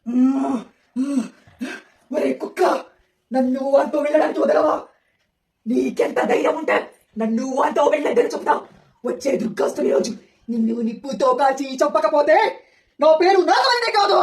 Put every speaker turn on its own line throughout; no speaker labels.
ఒరే కుక్క, నన్ను అంటూ వెళ్ళడానికి వదలవా? నీకెంత ధైర్యం ఉంటే నన్ను అంటూ వెళ్ళేదని చెప్తా. వచ్చే దుర్గస్తుని రోజు నిన్ను నిప్పుతో కాల్చి చంపకపోతే నా పేరు నాగవల్లినే కాదు.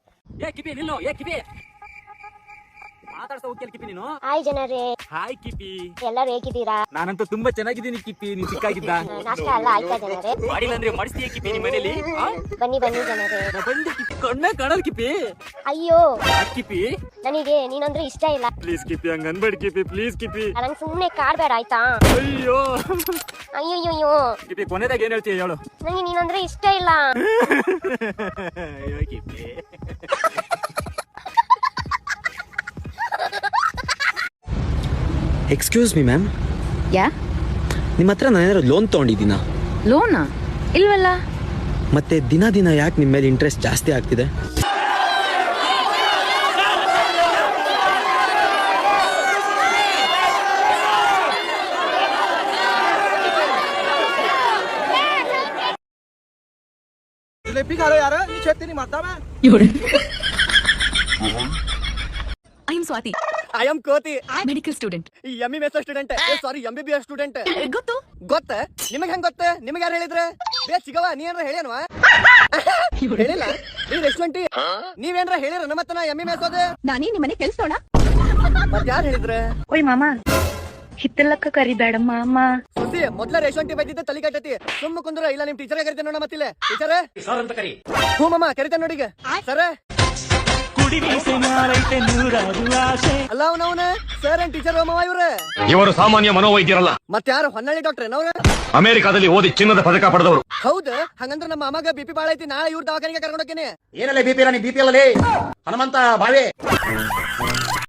ಮಾತಾಡ್ತಾ ಹೋಗ್ತಿಲ್ಲ ಕಿಪಿ ನೀನು.
ಹಾಯ್ ಜನರೇ.
ಹಾಯ್ ಕಿಪಿ.
ಎಲ್ಲರೂ ಹೇಗಿದ್ದೀರಾ?
ನಾನಂತೂ ತುಂಬಾ ಚೆನ್ನಾಗಿದ್ದೀನಿ ಕಿಪಿ. ನೀನ್ ಚಿಕ್ಕಾಗಿದ್ದ
ನಾಷ್ಟ ಎಲ್ಲ ಆಯ್ತಾ ಜನರೇ?
ಮಾಡಿಲ್ಲ ಅಂದ್ರೆ ಮಾಡಿಸ್ತೀಯ ಕಿಪಿ ನಿಮ್ಮ ಮನೇಲಿ?
ಬನ್ನಿ ಬನ್ನಿ ಜನರೇ.
ಬಂದು ಕಿಪಿ ಕಣ್ಣೇ ಕಾಣಲ್ ಕಿಪಿ.
ಅಯ್ಯೋ
ಕಿಪಿ,
ನನಗೆ ನೀನಂದ್ರೆ ಇಷ್ಟ ಇಲ್ಲ.
ಪ್ಲೀಸ್ ಕಿಪಿ, ಹಂಗ ಅನ್ಬೇಡಿ ಕಿಪಿ, ಪ್ಲೀಸ್ ಕಿಪಿ.
ನಂಗೆ ಸುಮ್ಮನೆ ಕಾಡ್ಬೇಡ ಆಯ್ತಾ?
ಅಯ್ಯೋ
ಅಯ್ಯೋ
ಕಿಪಿ, ಕೊನೆದಾಗ ಏನ್ ಹೇಳ್ತೀಯ ಹೇಳು.
ನನಗೆ ನೀನಂದ್ರೆ ಇಷ್ಟ ಇಲ್ಲ.
ಅಯ್ಯೋ ಕಿಪಿ.
ಎಕ್ಸ್ಕ್ಯೂಸ್ ಮಿ ಮ್ಯಾಮ್,
ಯಾ
ನಿಮ್ಮ ಹತ್ರ ನಾನೇನಾದ್ರು ಲೋನ್ ತೊಗೊಂಡಿದ್ದೀನಾ?
ಲೋನಾ? ಇಲ್ವಲ್ಲ.
ಮತ್ತೆ ದಿನ ದಿನ ಯಾಕೆ ನಿಮ್ಮ ಮೇಲೆ ಇಂಟ್ರೆಸ್ಟ್ ಜಾಸ್ತಿ ಆಗ್ತಿದೆ?
I am Swathi.
I am ಕೋತಿ.
Medical student.
MBBS student. Sorry, MBBS student.
ಗೊತ್ತು.
ಗೊತ್ತ? ನಿಮಗ್ ಹೆಂಗ್ ಗೊತ್ತ? ನಿಮಗ್ ಯಾರು ಹೇಳಿದ್ರೆ? ಬೇ ಸಿಗವ, ನೀ ಏನ್ರ ಹೇಳೇನ್ವಾ? ಹೇಳಿಲ್ಲ. ನೀವ್ ರೆಸ್ಟೋರೆಂಟ್ ನೀವೇನ್ರ ಹೇಳಿರ ನಮ್ಮತ್ತನ MBBS ಓದೆ?
ನಾನೇ ನಿಮ್ಮನೆ ಕೆಲ್ಸೋಣ.
ಮತ್ ಯಾರು ಹೇಳಿದ್ರೆ?
ಓಯ್ ಮಾಮ, ಹಿತ್ತಲಕ್ಕ ಕರಿಬೇಡ ಮಾಮ.
ಸುದ್ದಿ ಮೊದ್ಲ ರೇಷಂಟಿ ಬೈದಿದ್ದೆ ತಲೆ ಕಟ್ಟತಿ. ಸುಮ್ಮ ಕುಂದ್ರ, ಇಲ್ಲ ನಿಮ್ ಟೀಚರ್ ಕರಿತೇನೆ ನೋಡ. ಮತ್ತಿಲ್ಲ ಟೀಚರ್ ಸರ್ ಅಂತ ಕರಿ. ಹ್ಞೂ ಮಾಮ ಕರಿತೇನೆ ನೋಡಿಗ. ಸರ್ ಅಲ್ಲ ಅವನವನ ಸರ್ ಅಂಡ್ ಟೀಚರ್ ಮಾವ
ಇವರು ಸಾಮಾನ್ಯ ಮನೋವೈದ್ಯರಲ್ಲ.
ಮತ್ತೆ ಯಾರು? ಹೊನ್ನಳ್ಳಿ ಡಾಕ್ಟರ್ ಏನವ್ರ?
ಅಮೆರಿಕಾದಲ್ಲಿ ಓದಿ ಚಿನ್ನದ ಪದಕ ಪಡೆದವರು.
ಹೌದ? ಹಂಗಂದ್ರ ನಮ್ಮ ಅಮ್ಮಗ BP ಬಾಳ ಐತಿ. ನಾಳೆ ಇವ್ರ ದವಾಖಾನಿಗೆ ಕರ್ಕೊಂಡೋಗ್ತೇನೆ.
ಏನಲ್ಲ BP ಇಲ್ಲ, ನೀ BP ಅಲ್ಲೇ ಹನುಮಂತ ಬಾವೆ.